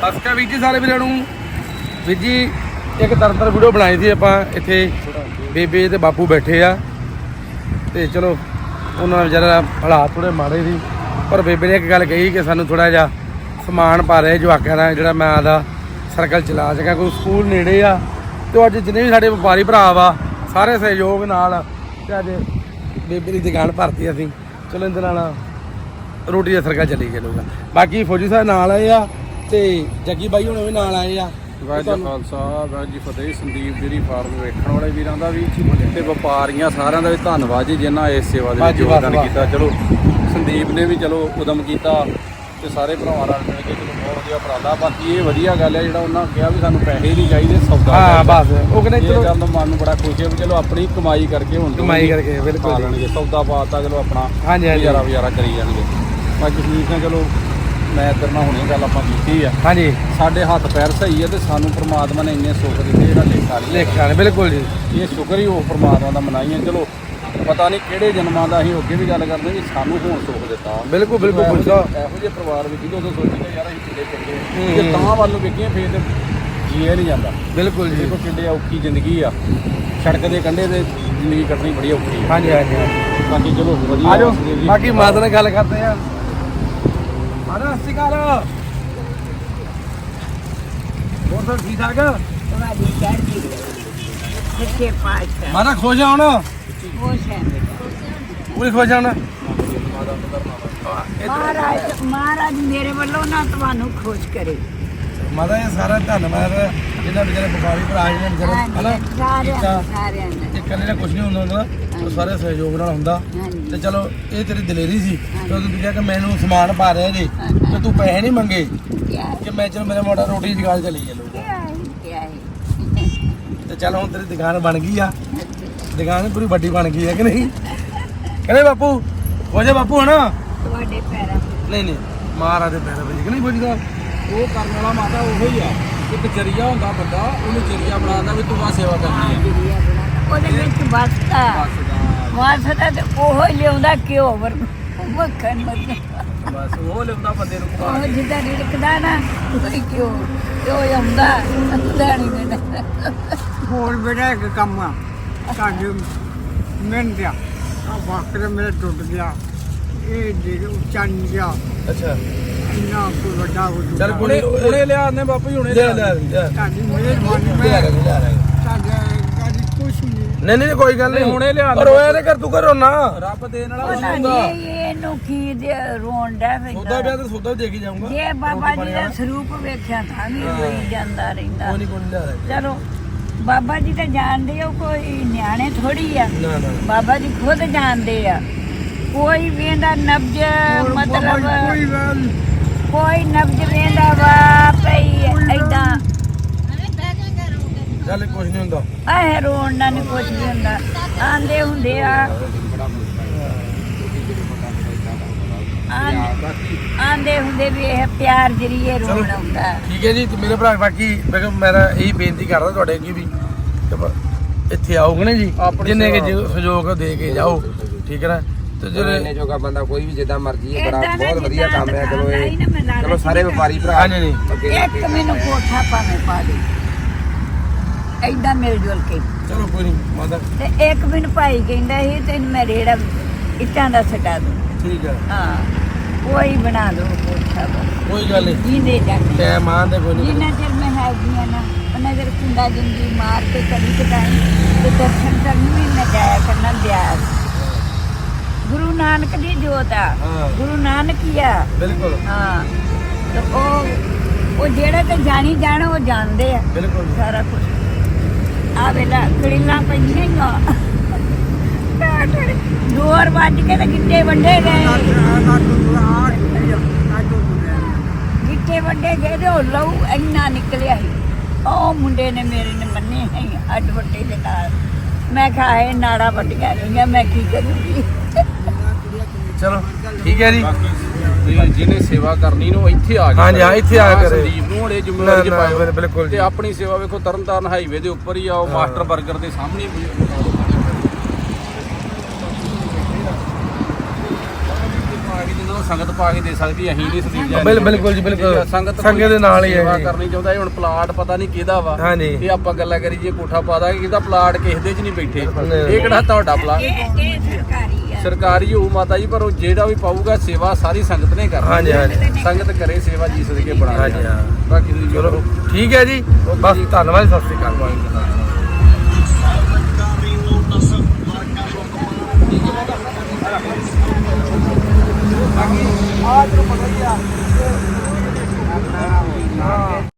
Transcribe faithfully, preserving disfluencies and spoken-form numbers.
ਸਸਕਾ ਵੀਰ ਜੀ ਸਾਰੇ ਵੀਰਾਂ ਨੂੰ। ਵੀਰ ਜੀ ਇੱਕ ਤਰਤਰ ਵੀਡੀਓ ਬਣਾਈ ਸੀ ਆਪਾਂ, ਇੱਥੇ ਬੇਬੇ ਤੇ ਬਾਪੂ ਬੈਠੇ ਆ ਤੇ ਚਲੋ ਉਹਨਾਂ ਦਾ ਵਿਚਾਰਾ ਹਾਲਾਤ ਥੋੜੇ ਮਾੜੇ ਸੀ, ਪਰ ਬੇਬੇ ਨੇ ਇੱਕ ਗੱਲ ਕਹੀ ਕਿ ਸਾਨੂੰ ਥੋੜਾ ਜਿਹਾ ਸਮਾਨ ਪਾ ਰਿਹਾ ਜਵਾਕਾਂ ਦਾ, ਜਿਹੜਾ ਮੈਂ ਆਦਾ ਸਰਕਲ ਚਲਾ ਸਕਾਂ। ਕੋਈ ਸਕੂਲ ਨੇੜੇ ਆ ਤੇ ਅੱਜ ਜਿੰਨੇ ਵੀ ਸਾਡੇ ਵਪਾਰੀ ਭਰਾ ਵਾ ਸਾਰੇ ਸਹਿਯੋਗ ਨਾਲ ਤੇ ਅੱਜ ਬੇਬੇ ਦੀ ਦੁਕਾਨ ਭਰਤੀ ਅਸੀਂ। ਚਲੋ ਇਹਦੇ ਨਾਲ ਰੋਟੀ ਦਾ ਸਰਕਲ ਚੱਲੀ ਚੱਲੂਗਾ। ਬਾਕੀ ਫੌਜੀ ਸਾਹਿਬ ਨਾਲ ਆਏ ਆ ਤੇ ਜੱਗੀ ਬਾਈ ਹੁਣ ਵੀ ਨਾਲ ਆਏ ਆ। ਵਾਹਿਗੁਰੂ ਜੀ ਖਾਲਸਾ ਵਾਹਿਗੁਰੂ ਜੀ ਫਤਿਹ। ਸੰਦੀਪ ਡੇਅਰੀ ਫਾਰਮ ਵੇਖਣ ਵਾਲੇ ਵੀਰਾਂ ਦਾ ਵੀ ਤੇ ਵਪਾਰੀਆਂ ਸਾਰਿਆਂ ਦਾ ਵੀ ਧੰਨਵਾਦ ਜੀ, ਜਿਨ੍ਹਾਂ ਇਸ ਸੇਵਾ ਦੇ ਵਿੱਚ ਯੋਗਦਾਨ ਕੀਤਾ। ਚਲੋ ਸੰਦੀਪ ਨੇ ਵੀ ਚਲੋ ਉਦਮ ਕੀਤਾ ਤੇ ਸਾਰੇ ਭਰਾਵਾਂ ਨਾਲ ਮਿਲ ਕੇ ਚਲੋ ਬਹੁਤ ਵਧੀਆ ਉਪਰਾਲਾ। ਬਾਕੀ ਇਹ ਵਧੀਆ ਗੱਲ ਹੈ ਜਿਹੜਾ ਉਹਨਾਂ ਕਿਹਾ ਵੀ ਸਾਨੂੰ ਪੈਸੇ ਨਹੀਂ ਚਾਹੀਦੇ, ਸੌਦਾ। ਹਾਂ ਬਸ ਉਹ ਕਹਿੰਦੇ ਚਲੋ ਗੱਲ ਮਨ ਨੂੰ ਬੜਾ ਖੁਸ਼ ਹੈ ਵੀ ਚਲੋ ਆਪਣੀ ਕਮਾਈ ਕਰਕੇ ਹੁਣ ਕਮਾਈ ਕਰਕੇ ਬਿਲਕੁਲ ਲੈਣਗੇ, ਸੌਦਾ ਪਾਤਾ ਚਲੋ ਆਪਣਾ ਹਾਂਜੀ ਹਾਂਜੀ ਗੁਜ਼ਾਰਾ ਗੁਜ਼ਾਰਾ ਕਰੀ ਜਾਣਗੇ। ਬਾਕੀ ਸੰਦੀਪ ਨੇ ਚਲੋ ਮੈਂ ਤੇਰੇ ਨਾਲ ਹੁਣੇ ਗੱਲ ਆਪਾਂ ਕੀਤੀ ਆ। ਹਾਂਜੀ ਸਾਡੇ ਹੱਥ ਪੈਰ ਸਹੀ ਹੈ ਤੇ ਸਾਨੂੰ ਪ੍ਰਮਾਤਮਾ ਨੇ ਇੰਨੇ ਸੁੱਖ ਦਿੱਤੇ ਜਿਹੜਾ ਲੇਖਾ ਨਹੀਂ ਲੇਖਾ ਨੇ ਬਿਲਕੁਲ ਜੀ। ਇਹ ਸ਼ੁਕਰ ਹੀ ਉਹ ਪ੍ਰਮਾਤਮਾ ਦਾ ਮਨਾਈਏ। ਚਲੋ ਪਤਾ ਨਹੀਂ ਕਿਹੜੇ ਜਨਮਾਂ ਦਾ ਅਸੀਂ ਅੱਗੇ ਵੀ ਗੱਲ ਕਰਦੇ ਵੀ ਸਾਨੂੰ ਹੁਣ ਸੁੱਖ ਦਿੱਤਾ। ਬਿਲਕੁਲ ਬਿਲਕੁਲ ਇਹੋ ਜਿਹੇ ਪਰਿਵਾਰ ਵਿੱਚ ਜਦੋਂ ਸੋਚੀਦਾ ਯਾਰ ਅਸੀਂ ਕਿੱਡੇ ਚੰਗੇ ਜੇ ਤਾਂ ਵੱਲ ਨੂੰ ਵੇਖੀਏ ਫੇਰ ਤੇ ਜੀਆ ਨਹੀਂ ਜਾਂਦਾ। ਬਿਲਕੁਲ ਜੀ। ਦੇਖੋ ਕਿੱਡੇ ਔਖੀ ਜ਼ਿੰਦਗੀ ਆ, ਸੜਕ ਦੇ ਕੰਢੇ ਤੇ ਜ਼ਿੰਦਗੀ ਕੱਟਣੀ ਬੜੀ ਔਖੀ ਹੈ। ਹਾਂਜੀ ਹਾਂਜੀ ਬਾਕੀ ਚਲੋ ਵਧੀਆ। ਆ ਜਾਓ ਬਾਕੀ ਮਾਤਾ ਨਾਲ ਗੱਲ ਕਰਦੇ ਆ। ਮਾਤਾ ਸਤਿ ਸ਼੍ਰੀ ਅਕਾਲ, ਹੋਰ ਸਭ ਠੀਕ ਠਾਕ? ਤੁਹਾਡੀ ਚੜ੍ਹਦੀ ਸੱਚੇ ਪਾਤਸ਼ਾਹ ਮਾਤਾ ਖੁਸ਼ ਆ ਹੁਣ? ਖੁਸ਼ ਹੈ ਪੂਰੀ ਖੁਸ਼ ਆ ਹੁਣ? ਮਹਾਰਾਜ ਮਹਾਰਾਜ ਮੇਰੇ ਵੱਲੋਂ ਨਾ ਤੁਹਾਨੂੰ ਖੁਸ਼ ਕਰੇ। ਮਾਤਾ ਇਹ ਸਾਰਾ ਧੰਨਵਾਦ ਜਿਹਨਾਂ ਵਿਚਾਰੇ ਵਪਾਰੀ ਭਰਾ ਜਿਹਨਾਂ ਵਿਚਾਰੇ ਹਨਾ ਸਾਰਿਆਂ ਕੀਤਾ। ਸਾਰਿਆਂ ਨੇ ਇਹ ਇਕੱਲੇ ਨਾਲ ਕੁਝ ਨਹੀਂ ਹੁੰਦਾ ਹੁੰਦਾ, ਉਹ ਸਾਰੇ ਸਹਿਯੋਗ ਨਾਲ ਹੁੰਦਾ। ਹਾਂਜੀ ਤੇ ਚਲੋ ਇਹ ਤੇਰੀ ਦਲੇਰੀ ਸੀ ਜਦੋਂ ਤੂੰ ਕਿਹਾ ਕਿ ਮੈਨੂੰ ਸਮਾਨ ਪਾ ਰਿਹਾ ਜੀ ਤੇ ਤੂੰ ਪੈਸੇ ਨਹੀਂ ਮੰਗੇ ਕਿਆ ਕਿ ਮੈਂ ਚਲੋ ਮੇਰਾ ਮੋਟਾ ਰੋਟੀ ਦੀ ਦੁਕਾਨ ਚਲੀ ਚੱਲੂਗਾ। ਕਿਆ ਹੈ ਕਿਆ ਹੈ ਤੇ ਚੱਲ ਹੁਣ ਤੇਰੀ ਦੁਕਾਨ ਬਣ ਗਈ ਆ, ਦੁਕਾਨ ਪੂਰੀ ਵੱਡੀ ਬਣ ਗਈ ਹੈ ਕਿ ਨਹੀਂ? ਕਹਿੰਦੇ ਬਾਪੂ ਹੋ ਜਾ ਬਾਪੂ ਹਨਾ? ਤੁਹਾਡੇ ਪੈਰਾਂ ਨਹੀਂ ਨਹੀਂ ਮਹਾਰਾਜ ਦੇ ਪੈਰਾਂ ਵਿੱਚ ਕਿ ਨਹੀਂ ਪੁੱਜਦਾ। ਉਹ ਕਰਨ ਵਾਲਾ ਮਾਤਾ ਉਹੋ ਹੀ ਆ, ਇੱਕ ਜਰੀਆ ਹੁੰਦਾ ਬੰਦਾ, ਉਹਨੂੰ ਜਰੀਆ ਬਣਾਉਂਦਾ ਵੀ ਤੂੰ ਆ ਸੇਵਾ ਕਰਨੀ ਹੈ। ਉਹਦੇ ਵਿੱਚ ਵਸਦਾ ਵਸਦਾ ਤੇ ਉਹ ਹੀ ਲਿਆਉਂਦਾ ਘਿਓ ਵਰ ਮੱਖਣ ਮੱਖਣ ਬਸ ਉਹ ਲਿਆਉਂਦਾ ਬੰਦੇ ਨੂੰ ਖਵਾ ਉਹ ਜਿੱਦਾਂ ਰਿੜਕਦਾ ਨਾ ਉਹੀ ਘਿਓ ਘਿਓ ਆਉਂਦਾ ਹੁੰਦਾ ਨਹੀਂ ਮੈਨੂੰ। ਹੋਰ ਬੇਟਾ ਇੱਕ ਕੰਮ ਆ ਸਾਡੇ ਮਿਹਨਤ ਆ ਆਹ ਵਾਕਰ ਮੇਰਾ ਟੁੱਟ ਗਿਆ, ਇਹ ਜਿਹੜੇ ਉੱਚਾ ਨਹੀਂ ਗਿਆ ਅੱਛਾ ਇੰਨਾ ਕੋਈ ਵੱਡਾ ਹੋ ਚੱਲ ਚੁੱਕਾ। ਹੁਣੇ ਹੁਣੇ ਲਿਆ ਨੇ ਬਾਪੂ ਜੀ, ਹੁਣੇ ਲਿਆ ਲਿਆ ਲਿਆ ਲਿਆ ਤੁਹਾਡੀ ਮਿਹਰਬਾਨੀ ਲਿਆ ਮੈਂ ਲਿਆ ਲਿਆ। ਤੁਹਾਡਾ ਤੁਹਾਡੀ ਕੁਛ ਨਹੀਂ। ਨਹੀਂ ਨਹੀਂ ਕੋਈ ਗੱਲ ਨਹੀਂ, ਹੁਣੇ ਲਿਆ ਪਰ ਹੋਇਆ ਤੇ ਕਰ ਤੂੰ ਕਰੋ ਨਾ। ਰੱਬ ਦੇਣ ਵਾਲਾ ਉਹਨਾਂ ਕੁਛ ਹੁੰਦਾ। ਨੇ ਇਹਨੂੰ ਕੀ ਦੇ ਰੋਣ ਦਾ ਸੌਦਾ ਪਿਆ ਤੇ ਸੌਦਾ ਦੇ ਕੇ ਜਾਊਂਗਾ। ਜੇ ਬਾਬਾ ਜੀ ਦਾ ਸਰੂਪ ਵੇਖਿਆ ਤਾਂ ਵੀ ਹੋਈ ਜਾਂਦਾ ਰਹਿੰਦਾ। ਕੋਈ ਨਹੀਂ ਕੋਈ ਨਹੀਂ ਲਿਆ ਰਿਹਾ। ਚਲੋ ਬਾਬਾ ਜੀ ਤਾਂ ਜਾਣਦੇ ਹੋ, ਕੋਈ ਨਿਆਣੇ ਥੋੜੀ ਆ। ਨਾ ਨਾ ਬਾਬਾ ਜੀ ਖੁਦ ਜਾਣਦੇ ਆ। ਕੋਈ ਵੇਂਦਾ ਨਬਜ ਹੋਰ ਮਤਲਬ ਬਾਬਾ ਜੀ ਕੋਈ ਗੱਲ ਨੀ। ਕੋਈ ਨਬਜ ਵੇਂਦਾ ਵਾ ਪਈ ਏਦਾਂ ਚੱਲ ਕੁਝ ਨਹੀਂ ਹੁੰਦਾ। ਆਹ ਰੋਣ ਨਾਲ ਨਹੀਂ ਕੁਛ ਵੀ ਹੁੰਦਾ। ਆਂਦੇ ਹੁੰਦੇ ਆ ਆਂ- ਆਂਦੇ ਹੁੰਦੇ ਵੀ ਇਹ ਪਿਆਰ ਜਰੀਏ ਰੋਣ ਆਉਂਦਾ। ਠੀਕ ਹੈ ਜੀ। ਤੇ ਮੇਰੇ ਭਰਾ ਬਾਕੀ ਮੈਂ ਕਿਹਾ ਮੇਰਾ ਇਹੀ ਬੇਨਤੀ ਕਰਦਾ ਤੁਹਾਡੇ ਅੱਗੇ ਵੀ ਕਿ ਪ- ਇੱਥੇ ਆਓਗੇ ਨਾ ਜੀ ਆਪਣੀ ਜਿੰਨੇ ਕੇ ਸੇਵਾ। ਸਹਿਯੋਗ ਦੇ ਕੇ ਜਾਓ, ਠੀਕ ਹੈ ਨਾ। ਤੇ ਜਿਹੜੇ ਇਹਨੇ ਜੋਗਾ ਬੰਦਾ ਕੋਈ ਵੀ ਜਿੱਦਾਂ ਮਰਜ਼ੀ ਹੈ, ਬੜਾ ਏਦਾਂ ਨਾ ਬਹੁਤ ਵਧੀਆ ਜਿੱਦਾਂ ਕੰਮ ਹੈ। ਚਲੋ ਦਿਖਾਉਂਦਾ ਹੀ ਨਾ, ਮੈਂ ਇਹ ਲਾਲਚ ਚਲੋ ਸਾਰੇ ਨਹੀਂ ਵਪਾਰੀ ਭਰਾ ਹਾਂਜੀ ਨਹੀਂ ਅੱਗੇ ਇੱਕ ਮੈਨੂੰ ਕੋਠਾ ਭਾਵੇਂ ਪਾ ਦੇ ਏਦਾਂ ਮਿਲ ਜੁਲ ਕੇ। ਚਲੋ ਕੋਈ ਨਹੀਂ ਮਾਤਾ ਤੇ ਇੱਕ ਮੈਨੂੰ ਭਾਈ ਕਹਿੰਦਾ ਸੀ ਤੈਨੂੰ ਮੈਂ ਰੇੜਾ ਇੱਟਾਂ ਦਾ ਸਟਾ ਦੂੰ। ਠੀਕ ਹੈ ਹਾਂ ਕੋਈ ਬਣਾ ਦੋ ਕੋਠਾ ਬਸ। ਕੋਈ ਗੱਲ ਨਹੀਂ। ਜੀਂਦੇ ਜਾਂਦੇ ਟਾਈਮ ਆਂਦੇ ਕੋਈ ਨਹੀਂ। ਜਿੰਨਾ ਚਿਰ ਮੈਂ ਹੈਗੀ ਆ ਨਾ ਉਹਨਾਂ ਚਿਰ ਕੁੰਡਾ ਜਿੰਦੀ ਮਾਰ ਕੇ ਕਦੀ ਕਦਾਈ ਤੇ ਦਰਸ਼ਨ ਕਰਨ ਵੀ ਮੈਂ ਜਾਇਆ ਕਰਨਾ ਬਿਆਸ। ਗੁਰੂ ਨਾਨਕ ਦੀ ਜੋਤ ਆ, ਹਾਂ। ਗੁਰੂ ਨਾਨਕ ਹੀ ਆ। ਬਿਲਕੁਲ ਹਾਂ ਤੇ ਉਹ ਉਹ ਜਿਹੜੇ ਤੇ ਜਾਣੀ ਜਾਣ ਉਹ ਜਾਣਦੇ ਆ ਬਿਲਕੁਲ ਸਾਰਾ ਕੁਝ। ਆ ਵੇਲਾ ਕੜੀਲਾਂ ਪਈਆਂ ਡੋਰ ਵੱਜ ਕੇ ਤੇ ਗਿੱਟੇ ਵੱਡੇ ਗਏ। ਗਿੱਟੇ ਵੱਡੇ ਗਏ ਤੇ ਉਹ ਲਹੂ ਇੰਨਾ ਨਿਕਲਿਆ ਸੀ। ਉਹ ਮੁੰਡੇ ਨੇ ਮੇਰੇ ਨੇ ਮੰਨੇ ਹੈ ਅੱਡ ਵੱਡੇ ਦੇ ਨਾਲ। ਮੈਂ ਕਿਹਾ ਇਹ ਨਾੜਾ ਵੱਡੀਆਂ ਗਈਆਂ, ਮੈਂ ਕੀ ਕਰੂੰਗੀ। ਚਲੋ ਠੀਕ ਹੈ ਜੀ। ਤੇ ਜਿਹਨੇ ਸੇਵਾ ਕਰਨੀ ਨੂੰ ਇੱਥੇ ਆ ਗਿਆ। ਹਾਂਜੀ, ਹਾਂ, ਇੱਥੇ ਆ ਕਰੇ। ਸੰਦੀਪ ਨੂੰ ਹਲੇ ਜ਼ਿੰਮੇਵਾਰੀ ਚ ਨਾ, ਨਾ, ਪਾਇਓ। ਬਿਲਕੁਲ ਜੀ। ਤੇ ਆਪਣੀ ਸੇਵਾ ਵੇਖੋ ਤਰਨਤਾਰਨ ਹਾਈਵੇ ਦੇ ਉੱਪਰ ਹੀ ਆ, ਉਹ ਮਾਸਟਰ 버ਗਰ ਦੇ ਸਾਹਮਣੇ ਹੀ। ਸੰਗਤ ਪਾ ਕੇ ਦੇ ਸਕਦੀ, ਅਸੀਂ ਨਹੀਂ ਸੰਦੀਪ ਜੀ ਬਿਲ- ਬਿਲਕੁਲ ਜੀ, ਬਿਲਕੁਲ। ਸੰਗਤ ਸੰਗਤ ਦੇ ਨਾਲ ਹੀ ਹੈ ਸੇਵਾ ਜੀ। ਕਰਨੀ ਚਾਹੁੰਦਾ ਇਹ ਹੁਣ ਪਲਾਟ ਪਤਾ ਨਹੀਂ ਕਿਹਦਾ ਵਾ ਹਾਂਜੀ। ਇਹ ਆਪਾਂ ਗੱਲਾਂ ਕਰੀ ਜੇ ਕੋਠਾ ਪਾ ਦਾਂਗੇ ਕਿਹਦਾ ਪਲਾਟ ਕਿਸੇ ਦੇ 'ਚ ਨਹੀਂ ਬੈਠੇ ਨਹੀਂ। ਇਹ ਕਿਹੜਾ ਤੁਹਾਡਾ ਪਲਾਟ ਇਹ ਇਹ ਸਰਕਾਰੀ ਆ ਸਰਕਾਰੀ ਹੋਊ ਮਾਤਾ ਜੀ, ਪਰ ਉਹ ਜਿਹੜਾ ਵੀ ਪਾਊਗਾ ਸੇਵਾ ਸਾਰੀ ਸੰਗਤ ਨੇ ਕਰਨੀ। ਹਾਂਜੀ, ਹਾਂਜੀ। ਸੰਗਤ ਕਰੇ ਸੇਵਾ ਜੀ ਸਦਕੇ ਬਣਾ ਹਾਂਜੀ, ਹਾਂ। ਬਾਕੀ ਤੁਸੀਂ ਚਲੋ ਠੀਕ ਹੈ ਜੀ, ਬਸ ਧੰਨਵਾਦ, ਸਤਿ ਸ਼੍ਰੀ ਅਕਾਲ।